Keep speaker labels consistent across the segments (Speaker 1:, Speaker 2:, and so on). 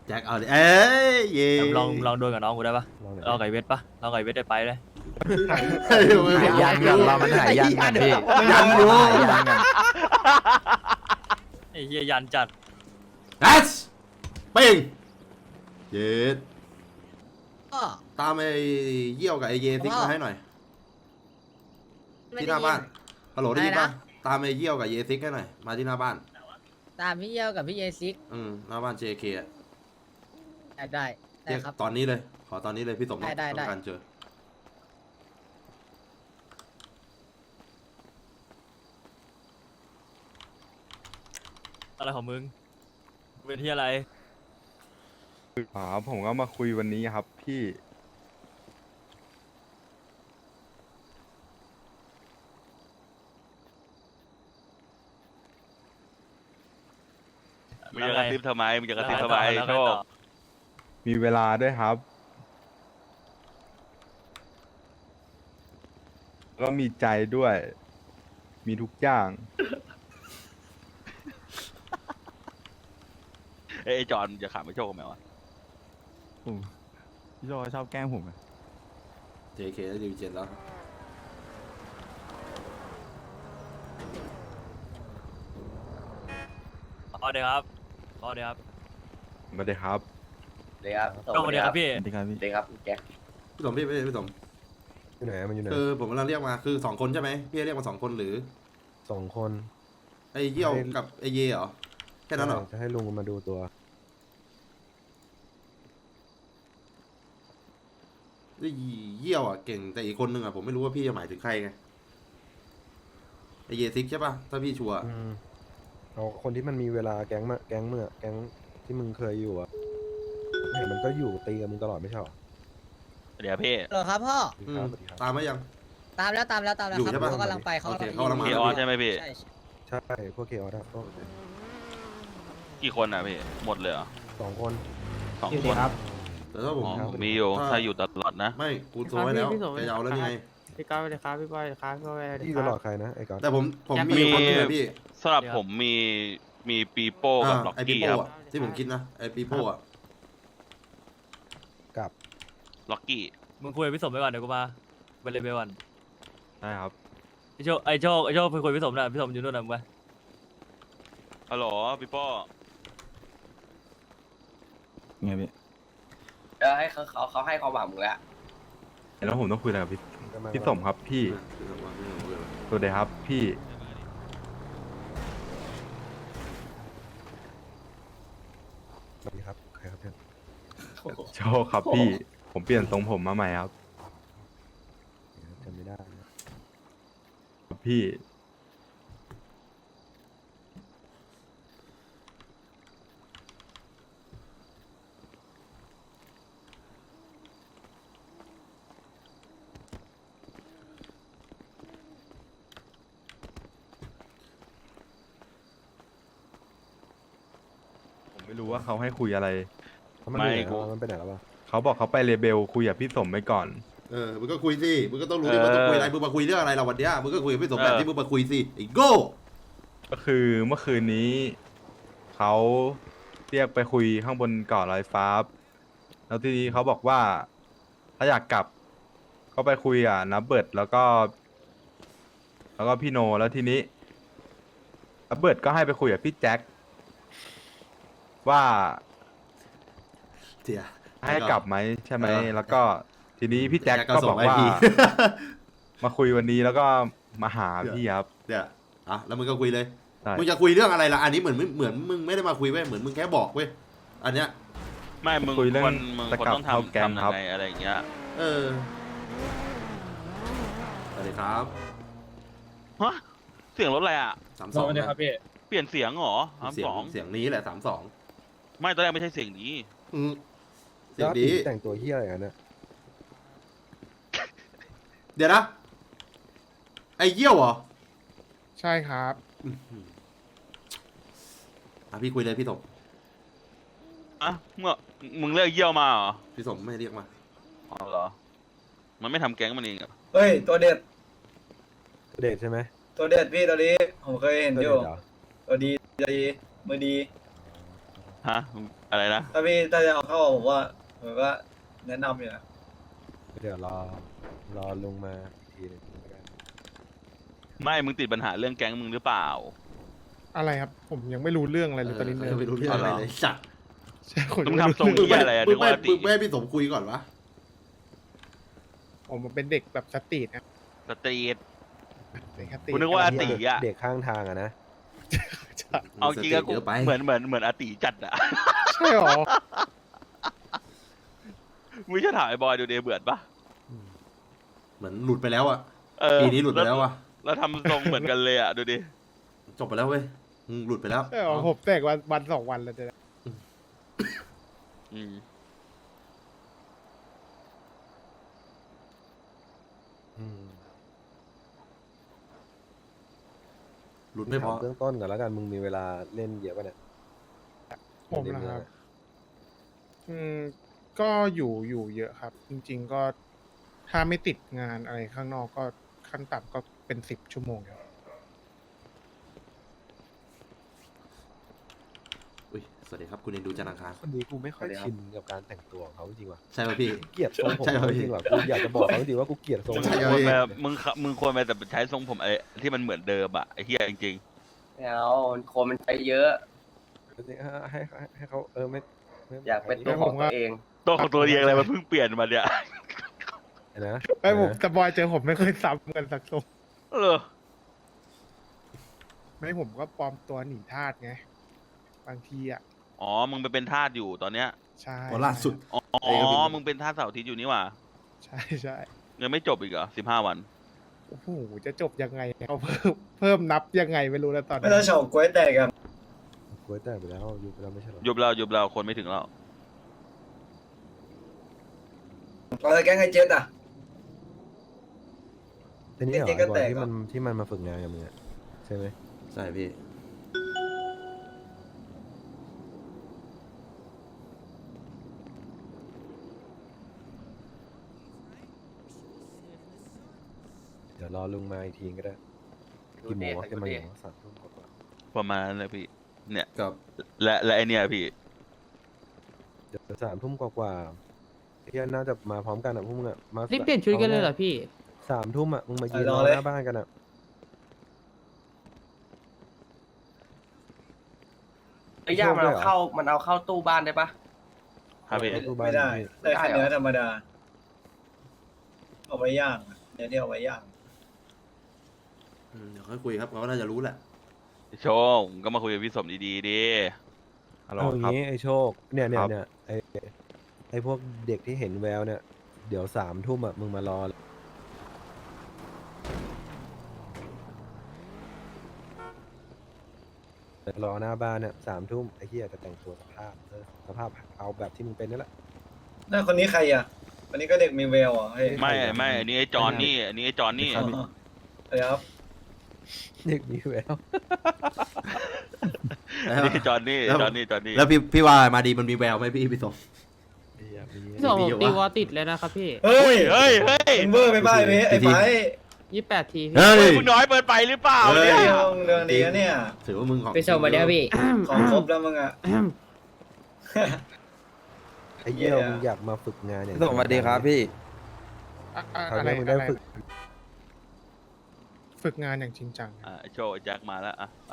Speaker 1: แจ็คเอาดิเอ้ยเย่
Speaker 2: ลองโดนกับน้องกูได้ปะเราไก่เวทปะเราไก่เวทได้ไปเลย
Speaker 3: หายยันกันเรามันหายยันกันพี่
Speaker 1: ยันอยู่
Speaker 3: หายยันกัน
Speaker 2: ไอ้เฮียยันจัด
Speaker 1: เอสเป้งเย็ดตามไอ้เยี่ยวกับไอ้เยซิกมาให้หน่อยที่หน้าบ้านฮัลโหลได้ยินปะตามไอ้เยี่ยวกับเยซิกให้หน่อยมาที่หน้าบ้าน
Speaker 4: ตามพี่เยี่ยวกับพี่เยซิก
Speaker 1: หน้าบ้าน JK อ่ะ
Speaker 4: ได้
Speaker 1: เรียก
Speaker 4: ครับ
Speaker 1: ตอนนี้เลยขอตอนนี้เลยพี่สม
Speaker 4: ได้
Speaker 1: ต้องการเจอ
Speaker 2: อะไรของมึงเป็นที่อะไร
Speaker 5: ผมก็มาคุยวันนี้ครับพี่
Speaker 6: มึงจะกระซิบทำไมมึงจะกระซิบทำไม
Speaker 2: แล้ว
Speaker 6: โช
Speaker 2: ไง
Speaker 6: ค
Speaker 2: ต่อ
Speaker 5: มีเวลาด้วยครับ ก็มีใจด้วย มีทุกอย่าง
Speaker 6: เอ้ยไอ้จอนจะขำไอ้โชคไหมวะ
Speaker 5: พี่โจชอบแกล้งผม
Speaker 1: JK ได้ดิวเจ็ดแล้ว
Speaker 2: เอาเดี๋ยวครับเอาเดี๋ยวครับ
Speaker 5: มาเลยครับ
Speaker 7: เดี๋ยวครับ
Speaker 2: โชคเดี๋ยวครับพี่
Speaker 7: เดี๋ยวครับแก
Speaker 1: พี่สมพี่สม
Speaker 3: อยู่ไหนมันอยู่ไหน
Speaker 1: คือผมกำลังเรียกมาคือ2 คนใช่ไหมพี่เรียกมา2 คนหรือ
Speaker 3: 2 คน
Speaker 1: ไอ้เยี่ยวกับไอ้เยเหรอแค่นั้นเหรอ
Speaker 3: จะให้ลุงมาดูตัว
Speaker 1: ไอ้เยี่ยวอ่ะเก่งแต่อีกคนนึงอ่ะผมไม่รู้ว่าพี่จะหมายถึงใครไงไอ้เยซิกใช่ป่ะถ้าพี่ชัวร์
Speaker 3: เอาคนที่มันมีเวลาแก๊งที่มึงเคยอยู่อะเห็นมันก็อยู่ตีกับมึงตลอดไม่ใช่หรอ
Speaker 6: เดี๋ยวพี่
Speaker 4: เหรอครับพ่อ
Speaker 3: สวัสดีครับ
Speaker 1: ตามไหมยัง
Speaker 4: ตามแล้วครับ
Speaker 1: อยู่ใช่ปะ
Speaker 4: เขากำลังไป
Speaker 1: โอเคเขากำลังมา
Speaker 6: พี่ออสใช่ไหมพี่
Speaker 4: ใช่
Speaker 3: ใช่พวกเคออสพวก
Speaker 6: กี่คนอ่ะพี่หมดเลยเหรอ
Speaker 3: 2 คน
Speaker 6: 2 คน
Speaker 1: แต่ถ้าผม
Speaker 6: อ๋อมีอยู่ถ้าอยู่ตลอดนะ
Speaker 1: ไม่กูโซไว้แล้วแกจะเอาแล้วนี่ไง
Speaker 8: พี่ก้าวเลยครับพี่บอยเลยครับพี่บอยเลย
Speaker 3: ที่
Speaker 8: ค
Speaker 3: ต
Speaker 8: รับ
Speaker 3: ลอดใครนะไอ้ก๊อต
Speaker 1: แต่ผมมีคนนึงอะพี่
Speaker 6: สำหรับผมมีปีโป้กับล็อก
Speaker 1: ไอปี
Speaker 6: กี้
Speaker 1: โป้
Speaker 6: ครับ
Speaker 1: อะที่ผมคิดนะไอปีโป้อะ
Speaker 3: กับ
Speaker 6: ล็อกกี้
Speaker 2: มึงคุยกับพี่สมไปก่อนเดี๋ยวกูมาไปเลยไปก่อน
Speaker 5: ได้ครับ
Speaker 2: ไอโชคไปคุยกับพี่สมนะพี่สมอยู่นู่นนะมึงไป
Speaker 6: ฮัลโหลปีโป้
Speaker 5: ไงพี่
Speaker 7: ให้เขาให้ความหวังมึงแล้ว
Speaker 5: แล้วผมต้องคุยอะไรกับพี่สมครับพี่ สวัสดีครับพี่
Speaker 3: สวัสดีครับใครครับเพื่อน
Speaker 5: โชคครับพี่ ผมเปลี่ยนทรงผมมาใหม่ครับ
Speaker 3: จำไม่ได้นะ
Speaker 5: ครับพี่ ผมไม่รู้ว่าเขาให้คุยอะไร
Speaker 3: แล้วมันอยู่ไหนแล้วมันไปไหนแล้ววะ
Speaker 5: เขาบอกเขาไปเลเบลคุยกับพี่สมไปก่อน
Speaker 1: มึงก็คุยสิมึงก็ต้องรู้ดิว่าต้องคุยอะไรมึงมาคุยเรื่องอะไรเราวันเนี้ยมึงก็คุยกับพี่สมแบบที่มึงมาคุยสิไอ้โง่
Speaker 5: ก็คือเมื่อคืนนี้เขาเรียกไปคุยข้างบนเกาะลอยฟ้า แล้วทีนี้เขาบอกว่าถ้าอยากกลับก็ไปคุยอ่ะนับเบิร์ดแล้วก็พี่โนแล้วทีนี้นับเบิร์ดก็ให้ไปคุยกับพี่แจ็คว่า
Speaker 1: เสีย
Speaker 5: ให้กลับไหมใช่ไหม แล้วก็ทีนี้พี่แจ็ค
Speaker 1: ก็
Speaker 5: ก็
Speaker 1: ส่
Speaker 5: บ
Speaker 1: ง
Speaker 5: อก
Speaker 1: ไอ
Speaker 5: ว่า
Speaker 1: พี
Speaker 5: มาคุยวันนี้แล้วก็มาหาพี่ครับ
Speaker 1: เนี่ยแล้วมึงก็คุยเลย
Speaker 5: ใช่
Speaker 1: มึงจะคุยเรื่องอะไรล่ะอันนี้เหมือนมึงไม่ได้มาคุยเว้ยเหมือนมึงแค่บอกเว้ยอันเนี้ย
Speaker 6: ไม่มึง
Speaker 5: คุยเรื่อง
Speaker 6: มึง
Speaker 5: จะ
Speaker 6: คน
Speaker 5: กลับ
Speaker 6: ต้อง
Speaker 5: เข้า
Speaker 6: ทำ
Speaker 5: แก๊ง
Speaker 6: ทำ
Speaker 5: ครั
Speaker 6: ยั
Speaker 5: บ
Speaker 6: งไงอะไรอย่างเงี้ย
Speaker 1: สวัสดีครับ
Speaker 6: ฮะเสียงรถอะไรอ่ะ
Speaker 1: 32นะ
Speaker 6: เปลี่ยนเสียงเหรอ
Speaker 1: เสียง
Speaker 6: 32
Speaker 1: เสียงนี้แหละ32
Speaker 6: ไม่ตอนแรกไม่ใช่เสียงนี้
Speaker 1: เสียงดี
Speaker 3: แต่งตัวเฮี้ยอะไรกันเนี่ย
Speaker 1: เดี๋ยวนะไอ้เยี่ยวเหรอ
Speaker 8: ใช่ครับ
Speaker 1: พี่คุยเลยพี่สม
Speaker 6: อ่ะมึงเรียกเยี่ยวมาเหรอ
Speaker 1: พี่สมไม่เรียกมา
Speaker 6: อ๋อเหรอมันไม่ทำแก๊งมันเองเหรอ
Speaker 7: เฮ้ยตัวเด็ด
Speaker 3: ตัวเดทใช่ไหม
Speaker 7: ตัวเด็ดพี่ตัวนี้ผมเคยเห็น
Speaker 3: ตัว
Speaker 7: อ
Speaker 3: เด
Speaker 7: ยู่
Speaker 3: ทเหรอ
Speaker 7: ตัวดีมือดี
Speaker 6: ฮะอะไรนะ
Speaker 7: ถ้าจะเอาเข้าผมว่าแนะนำอยู่นะ
Speaker 3: เดี๋ยวรอลุงมาอีกทีหนึงแล้วกัน
Speaker 6: ไม่มึงติดปัญหาเรื่องแก๊งมึงหรือเปล่า
Speaker 8: อะไรครับ ผมยังไม่รู้เรื่องอะไรเลยตอนนี้
Speaker 1: ไม่รู้เรื่องอะไรเลยสัตว์
Speaker 8: ใช่ผม
Speaker 6: มึ
Speaker 8: ยัง
Speaker 6: ง
Speaker 8: ไม่
Speaker 6: ทำทรง
Speaker 8: รู้
Speaker 6: เหี้ยอะไรอะ
Speaker 1: มึ
Speaker 6: นึ
Speaker 1: ง
Speaker 6: ก
Speaker 1: ไม่
Speaker 6: ว่าติ
Speaker 1: มึงไม่ให้พี่สมคุยก่อนวะ
Speaker 8: ผมเป็นเด็กแบบสตรีทนะ
Speaker 6: สตรีท
Speaker 8: เด็กสตรีท
Speaker 6: กูนึกว่าอาติอะ
Speaker 3: เด็กข้างทางอะนะ
Speaker 6: เอาจริงอะกู
Speaker 1: เยอะไป
Speaker 6: เหมือนอาติจัดอะ
Speaker 8: ใช่หรอ
Speaker 6: มึงจะถามไอ้บอยดูเดเบื่อปะ
Speaker 1: เหมือนหลุดไปแล้วอะ
Speaker 6: เออ
Speaker 1: ปีนี้หลุดไปแล้วอะ
Speaker 6: แล้วทำทรงเหมือนกันเลยอะดูดิ
Speaker 1: จบไปแล้วเว้ยหลุดไปแล้ว
Speaker 8: ใช่หรอผมแตกวันสองวันแล้วจะ
Speaker 6: อืม
Speaker 1: หลุดไม่พอ
Speaker 3: ถามเบื้องต้นก่อนแล้วกันมึงมีเวลาเล่นเยอะป่ะเนี่ย
Speaker 8: ผมนะครับ ก็อยู่เยอะครับ จริง ๆ ก็ถ้าไม่ติดงานอะไรข้างนอกก็ขั้นต่ำก็เป็น10 ชั่วโมงครับ
Speaker 1: อุ้ยสวัสดีครับคุณเอ็นดูจันทร์อังคาร
Speaker 3: คนนี้กูไม่ค่อยชินกับการแต่งตัวของเขาจริงว่ะ
Speaker 1: ใช่ป่ะพี่
Speaker 3: เกลียดทรงผม
Speaker 1: ใช่
Speaker 3: เขา
Speaker 1: พี่
Speaker 3: จริงว่ะกูอยากจะบอกเขาจริงว่ากูเกลียดทรง
Speaker 6: มึง
Speaker 1: ใช่
Speaker 6: ควร
Speaker 1: พี่
Speaker 6: แบบมึงควรไปแต่ใช้ทรงผมไอ้ที่มันเหมือนเดิมอะไอ้เหี้ยจริง
Speaker 7: ไม่เอาคนมันใช้เยอะ
Speaker 3: ให้เขาไม่
Speaker 7: อยากเป็นตัวของตัวเอง
Speaker 6: ๆตัวของตัวเองอะไรมันเพิ่งเปลี่ยนมาเนี่ย
Speaker 3: นะ
Speaker 8: ไอ้ผมแต่บอยเจอผมไม่เคยซ้ำกันสักทรง
Speaker 6: เออ
Speaker 8: ไม่ผมก็ปลอมตัวหนีทาสไงบางทีอ่ะ
Speaker 6: อ๋อ มึงไปเป็นทาสอยู่ตอนเนี้ย
Speaker 8: ใช่
Speaker 1: พอล่าสุด
Speaker 6: อ๋อ
Speaker 1: ไอ้กระบี่
Speaker 6: มึงเป็นทาสเสาร์อาทิตย์อยู่นี่หว่า
Speaker 8: ใช่
Speaker 6: ยังไม่จบอีกเหรอ15 วัน
Speaker 8: โอ้โหจะจบยังไงเขาเพิ่มนับยังไงไม่รู้แล้วตอน
Speaker 7: ไม่
Speaker 8: นี้
Speaker 7: ต้องเฉากล้วยแตกครับ
Speaker 3: กูแต่ไปแล้วยุบไปแล้วไม่ใช่หรอ
Speaker 6: ยุบเราคนไม่ถึงแล้ว
Speaker 7: เราจะแกล้งไอ้เจ็ดอ่ะ
Speaker 3: ทีนี้เหรอ
Speaker 7: จริงๆก็
Speaker 3: ไอ้บอ
Speaker 7: แต
Speaker 3: ย
Speaker 7: ก
Speaker 3: ที่มันมาฝึกงานกับมึงอะใช่ไหม
Speaker 1: ใช่พี่
Speaker 3: เดี๋ยวรอลุงมาอีกทีก็ได้กี่โมงวะจะมาอยู่3 ทุ่มกว่า
Speaker 6: ประมาณนั้นเลยพี่ เนี่ย
Speaker 1: กับ
Speaker 6: และไอเนี่ยพี่
Speaker 3: เดี๋ยว3 ทุ่มกว่าที่น่าจะมาพร้อมกันอ่ะพวกมึงอ่ะมา
Speaker 9: รีบเปลี่ยนชุดกันเลยเหรอพี่
Speaker 3: 3 ทุ่มอ่ะมึงมายืน
Speaker 7: ร
Speaker 3: ร
Speaker 7: อ
Speaker 3: อ
Speaker 7: เลย
Speaker 3: หน้าบ้านกันอ่ะ
Speaker 7: ไอ้ย่ามันเอาเข้าตู้บ้านได้ปะ
Speaker 6: ครับพี่
Speaker 7: ไม่ได้ได้แค่เนื้อธรรมดา เอาไว้ย่างเนื้อที่เอาไว้ย่าง
Speaker 1: เดี๋ยวค่อยคุยครับเขาก็น่าจะรู้แหละ
Speaker 6: โชงก็มาคุยกับพี่สมดีๆดิ
Speaker 5: ฮัลโหล
Speaker 3: เอาอย่าง
Speaker 5: ครับ
Speaker 3: งี้ไอ้โชคเนี่ย
Speaker 5: ครับ
Speaker 3: ไอ้พวกเด็กที่เห็นแววเนี่ยเดี๋ยว3 ทุ่มอ่ะมึงมารอหน้าบ้านเนี่ย3 ทุ่มไอ้เหี้ยจะแต่งตัวสภาพเอาแบบที่มึงเป็นนั่นแหละ
Speaker 7: น่าคนนี้ใครอ่ะคนนี้ก็เด็กมีแววอ่ะเฮ้ย
Speaker 6: ไม่อันนี้ไอ้จอนนี่ อันนี้ไอ้จอนนี่
Speaker 7: อ๋อเดี๋ยวครับ
Speaker 3: เด็กมีแวว
Speaker 6: อันนี้จอนนี่
Speaker 1: แล้ว
Speaker 6: จอนนี่
Speaker 1: แล้วพี่ว่ามาดีมันมีแววไหมพี่สม
Speaker 9: พี่สอง
Speaker 1: มี
Speaker 9: ผ
Speaker 1: อยู่
Speaker 9: มตี
Speaker 1: วะ
Speaker 9: วอลติดเลยนะครับพี่
Speaker 7: เฮ้ย
Speaker 6: เฮ้ย
Speaker 7: มึงเบอร์ไปบ้ายไอ้ไฟ
Speaker 9: 28 ทีพี่
Speaker 1: เฮ้ย
Speaker 6: มึงน้อยเปิดไปหรือเปล่า
Speaker 1: เฮ้
Speaker 6: เนี่ย
Speaker 7: เรื่องนี้เนี่ย
Speaker 1: ถือว่ามึงของ
Speaker 4: ไปส่งมาเดี๋ยวพี่
Speaker 7: ของครบแล้วมึงอ่ะ
Speaker 3: ไอ้เหี้ย
Speaker 7: เหี้ย
Speaker 3: มึงอยากมาฝึกงานอย่าง
Speaker 10: สวัสดีครับพี่
Speaker 3: คราว
Speaker 8: อะไร
Speaker 3: นี้มึงได้
Speaker 8: อะไร
Speaker 3: ฝึก
Speaker 8: งานอย่างจริงจัง
Speaker 6: อ่ะไอ้โชว์ไอ้แจ็คมาแล้วอ่ะไป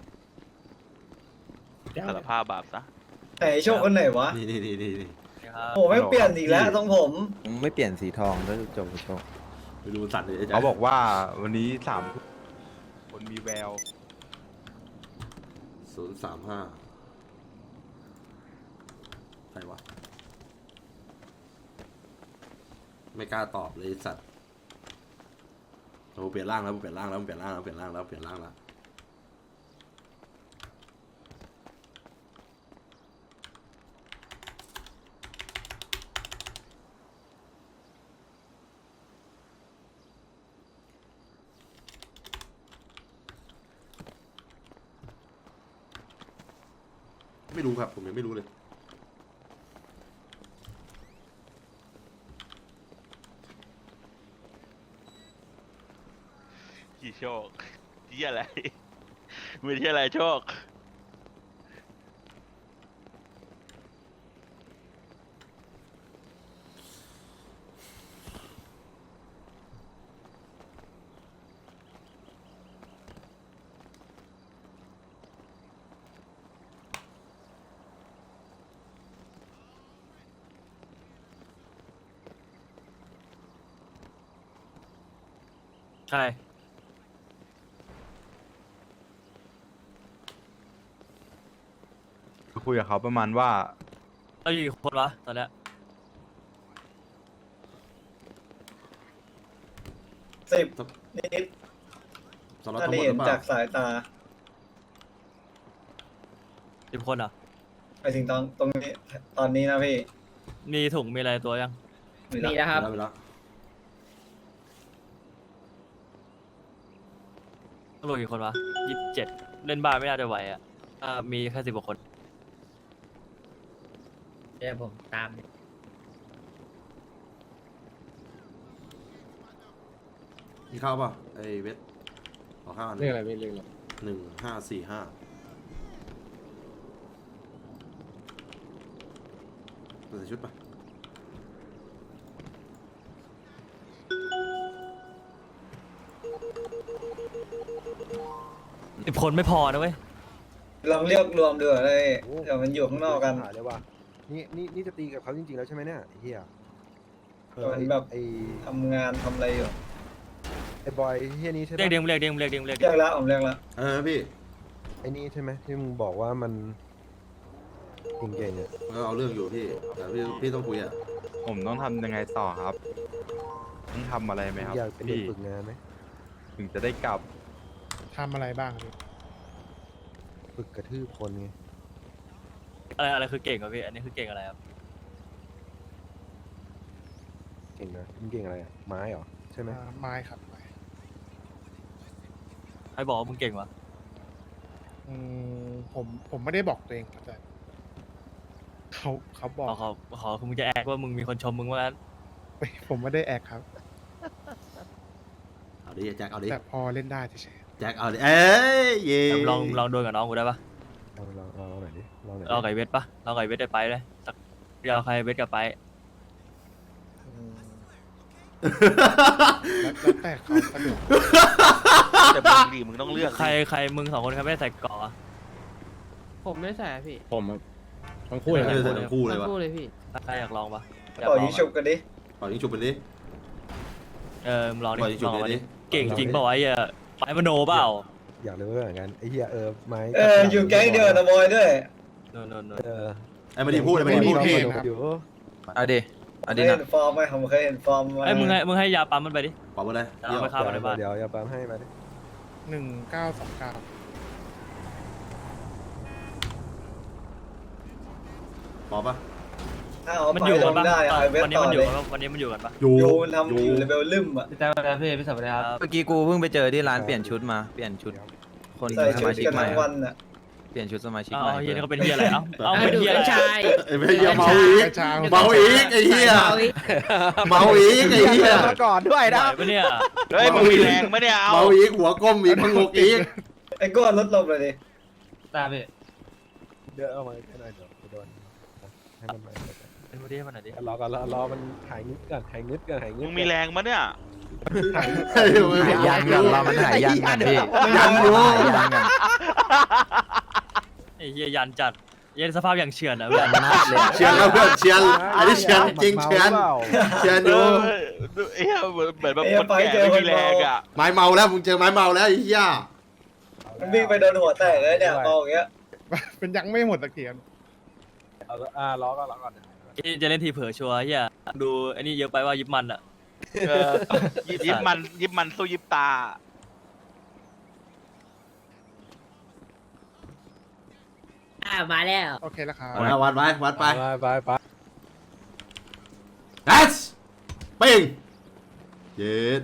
Speaker 6: สารภาพบาปซะ
Speaker 7: ไหนโชคคนไหนวะ
Speaker 1: นี่
Speaker 7: โอ้ไม่เปลี่ยนอีกแล้วทรงผม
Speaker 10: ผมไม่เปลี่ยนสีทองแล้วจบโชค
Speaker 1: ไปดูสัตว์เลย
Speaker 5: เขาบอกว่าวันนี้3 ทุ่มคนมีแวว
Speaker 1: 035ใครวะไม่กล้าตอบเลยไอ้สัตว์โอ้เปลี่ยนร่างแล้วเปลี่ยนร่างแล้วเปลี่ยนร่างแล้วไม่รู้ครับผมยังไม่รู้เลย
Speaker 6: กี่โชคที่อะไรมือที่อะไรโชค
Speaker 2: ใช่
Speaker 5: ก็คุยกับเขาประมาณว่า
Speaker 2: เราอยู่กี่คนวะตอนเนี้ย
Speaker 7: 10นิด
Speaker 1: สำหรับ
Speaker 7: ถ้า
Speaker 1: ทั้งหมดห
Speaker 7: เห็
Speaker 1: รื
Speaker 7: น
Speaker 1: อเป
Speaker 7: จา
Speaker 1: ล่าก
Speaker 7: สายตา
Speaker 2: 10 คนเหรอ่ะ
Speaker 7: ไปถึงตรงนี้ตอนนี้นะพี่
Speaker 2: มีถุงมีอะไรตัวยัง
Speaker 4: มีนะครับ
Speaker 1: ไปแล้ว
Speaker 2: ตำรวจกี่คนวะ27เล่นบ้านไม่น่าจะไหวอ่ะมีแค่10 กว่าคน
Speaker 4: เดี๋ยวผมตาม
Speaker 1: มีข้าวป่ะไอ้เวทขอข้าวอัน
Speaker 8: เรื่องอะไรไม่เรื่องอะไร
Speaker 1: 1545ใส่ชุดป่ะ
Speaker 2: 10 คนไม่พอนะเว้ย
Speaker 7: ลองเรียกรวมดูเลย
Speaker 3: โอ้
Speaker 7: เดี๋ยวมันอยู่ข้างนอกกัน
Speaker 3: หาเลยว่ะนี่จะตีกับเขาจริงๆแล้วใช่ไหมเนี่ยไอ้เหี้ย
Speaker 7: มันแบบ
Speaker 3: ไอ้
Speaker 7: ทำงานทำอะไรอยู่
Speaker 3: ไอ้บอยเหี้ยนี้ใช่ไหม
Speaker 2: เรียกเรียกเรียก
Speaker 7: เรียกแล้วผมเรียกแล้ว
Speaker 1: พี่
Speaker 3: ไอ้นี่ใช่ไหมที่มึงบอกว่ามันเก่งๆอ่ะ
Speaker 1: เอาเรื่องอยู่พี่แต่พี่ต้องคุยอ่ะ
Speaker 5: ผมต้องทำยังไงต่อครับ ต้องทำอะไรไหมครับ
Speaker 3: อยากเป็นเด็ก
Speaker 5: พี่
Speaker 3: ฝึกงานไหม
Speaker 5: ถึงจะได้กลับ
Speaker 8: ทำอะไรบ้างครับพี่
Speaker 3: ฝึกกระทืบคนไง
Speaker 2: อะไรคือเก่งวะพี่อันนี้คือเก่งอะไรครับ
Speaker 3: เก่งนะมึงเก่งอะไรอะไม้เหรอใช่ไหม
Speaker 8: ไม้ครับไม้
Speaker 2: ใครบอกว่ามึงเก่งวะ
Speaker 8: ผมไม่ได้บอกตัวเองครับแต่เขาบอก
Speaker 2: ขอคือมึงจะแอกว่ามึงมีคนชมมึงว่างั้น
Speaker 8: ผมไม่ได้แอกครับ
Speaker 1: เอาดิแจ็คเอาดิ
Speaker 8: แต่พอเล่นได้เฉย
Speaker 1: แจ็คเอาดิเอ้ยเย่
Speaker 2: ลองโดนกับน้องกูได้ปะ
Speaker 3: ลองหน่อยดิลองหน่อยดิ
Speaker 2: เราไก่เวทปะเราไก่เวทได้ไปเลยสักเราใครเวทกับไป
Speaker 8: แล้วแต่เขาสะดวก
Speaker 6: แต่มึงดีมึงต้องเลือก
Speaker 2: ใครมึง2 คนใครไม่ได้ใส่เกราะอะ
Speaker 9: ผมไม่ใส่อะพี่
Speaker 8: ผมทั้ง
Speaker 1: คู่
Speaker 8: คู่
Speaker 1: เล
Speaker 8: เลย ย
Speaker 1: ทั้งคู่เลยวะ
Speaker 9: ทั้งคู่เลยพี่
Speaker 2: ใครอยากลองปะอยาก
Speaker 7: ต่อ
Speaker 2: ลอง
Speaker 7: ยิง
Speaker 2: ปะ
Speaker 7: ฉุบกันดิ
Speaker 1: ปล่อยยิงฉุบไปดิ
Speaker 2: มึงลองดิ
Speaker 1: ปล่อยยิงฉุ
Speaker 2: ล
Speaker 1: บ
Speaker 2: อง
Speaker 1: ไป
Speaker 2: มา
Speaker 1: ดิ
Speaker 2: ดิเก่งจริงเปล่าวะไอ้เหี้ยไปมโนเปล่า
Speaker 3: อยากรู้เหมือนกันไอ้เหี้ยไม้
Speaker 7: อยู่แก๊งเดียวกับนะบอยด้วย
Speaker 2: โน่น
Speaker 1: ไอ้ไม่ได้พูดไอ้ไม่ได้พูดพี่
Speaker 3: อยู่
Speaker 10: เอาดิเอา
Speaker 7: เค
Speaker 10: ดิ
Speaker 7: ย
Speaker 10: นะ
Speaker 7: เห็นฟอร์มไหมผมเคยเห็นฟอร์มมา
Speaker 2: ไอ้ยมึงให้ยาปั๊มมันไปดิ
Speaker 1: ปล่อยไปเลย
Speaker 2: เอาไปฆ่ามันในบ้าน
Speaker 3: เดี๋ยวอย่าปั๊มให้มาดิ
Speaker 8: 1929
Speaker 1: ปล่อยปะ
Speaker 7: ถ้าเอา
Speaker 2: มัน
Speaker 7: ไป
Speaker 2: อยู่
Speaker 7: ล
Speaker 2: กัน
Speaker 7: ง
Speaker 2: ปะ
Speaker 7: ได้
Speaker 2: ตอน
Speaker 7: ไอเวท
Speaker 2: วันนี้
Speaker 7: ต่อ
Speaker 2: มันอ
Speaker 7: เล
Speaker 2: ยู่
Speaker 7: ย
Speaker 2: กันปะวันนี้มันอยู่กันปะ
Speaker 1: อยู่
Speaker 7: ยูมันทำอยู่เลเวลลืมอ่ะ
Speaker 10: เมื่อกี้กูเพิ่งไปเจอที่ร้านเปลี่ยนชุดมา เปลี่ยนชุด คน
Speaker 7: ใส่
Speaker 10: ส
Speaker 7: ชุด
Speaker 10: มาชิก
Speaker 7: กัน
Speaker 10: ใหม่
Speaker 7: ทั้งวันอ่ะ
Speaker 10: เปลี่ยนชุดสมาชิก
Speaker 2: เอา
Speaker 10: ใหม่
Speaker 2: เฮียนี่เขาเป็นเฮียอะไรเอาเป็น
Speaker 4: ดู
Speaker 2: เฮียอะไร
Speaker 4: เป็นชาย
Speaker 1: ไอ้ไม่เหี้ยเมาอีกเมาอีกไอ้เหี้ยเมาอีกไอ้เหี้ย
Speaker 3: มาก่อนด้วย
Speaker 2: ไหว
Speaker 3: นะ
Speaker 2: ปะเนี่ย
Speaker 6: เฮ้ยมึงมีแรงไหมเนี่ยเอา
Speaker 1: เมาอีกหัวก้มอีกพังงกอีก
Speaker 7: ไอ้ก้อนลดลงเลยดิ
Speaker 9: ตาพี่
Speaker 3: เดี๋ยวเอามาให้หน่อยเดี๋ยวไปโดนให้มันมา
Speaker 2: เป็นพอดีมันหน่อยดิ
Speaker 3: รอก่อนรอมันหายงึดก่อนหายงึดก่อนหายงึ
Speaker 6: มึ
Speaker 3: ด
Speaker 6: งมีแรงมั้ยเนี่ย
Speaker 3: หายงึด
Speaker 10: หายยันกันเรามันหายยันกันพี่
Speaker 1: ยันอยู่
Speaker 10: หายยันกัน
Speaker 2: ไอ้เฮียยันจัดเย็นสภาพอย่างเฉื่อนอะ
Speaker 10: ยันนัดเลยอะ
Speaker 1: เชียนแล้วเพื่อนเชียนอันนี้เชียนจริงเชียนเชียนอยู่
Speaker 6: เอ้ยเหมือนแบบคนแก่ไม่มีแรงอ่ะ
Speaker 1: ไม้เมาแล้วมึงเจอไม้เมาแล้วไอ้เหี้ย
Speaker 7: มันวิ่งไปโดนหัวแตกเลยเนี่ยมองอย่างเงี้ย
Speaker 8: เป็นยังไม่หมดตะเกียบ
Speaker 3: รอก่อน
Speaker 2: จะเล่นทีเผลอชัวร์เฮียดูไอ้นี่เยอะไปว่ายิบมันอะ
Speaker 6: ยิบมันสู้ยิบตา
Speaker 4: มาแล้ว
Speaker 8: โอเคแล้วครับ
Speaker 1: วัดไปวัดไป
Speaker 3: ไป
Speaker 1: เอสปิงเย็ด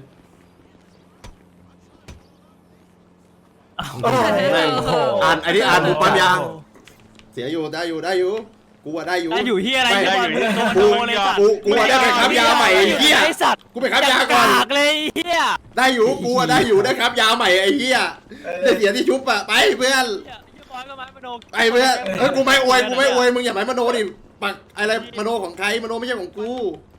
Speaker 1: แม่งอ่านอันนี้อ่านบุปผายางเสียอยู่ได้อยู่กูว่าได้อยู่
Speaker 2: ได้อยู่เฮียอะไร
Speaker 1: ม่
Speaker 2: เฮีย
Speaker 6: ได้อยู่
Speaker 2: มึงโดนเลยสัตว์
Speaker 1: กูว่าได้ไปครับยาใหม่ไอ้เหี้ย
Speaker 2: ไอ้สัตว์
Speaker 1: กูไปครับยาก่อน
Speaker 2: กากเลยเฮีย
Speaker 1: ได้อยู่กูว่าได้อยู่ได้ครับยาใหม่ไอ้เหี้ยได้เสียที่ชุบอะไปเพื่อน
Speaker 2: เฮียบอยก็มามโน
Speaker 1: ไปเพื่อนกูไม่อวยมึงอย่าไปมโนดิปักอะไรมโนของใครมโนไม่ใช่ของกู
Speaker 2: ไ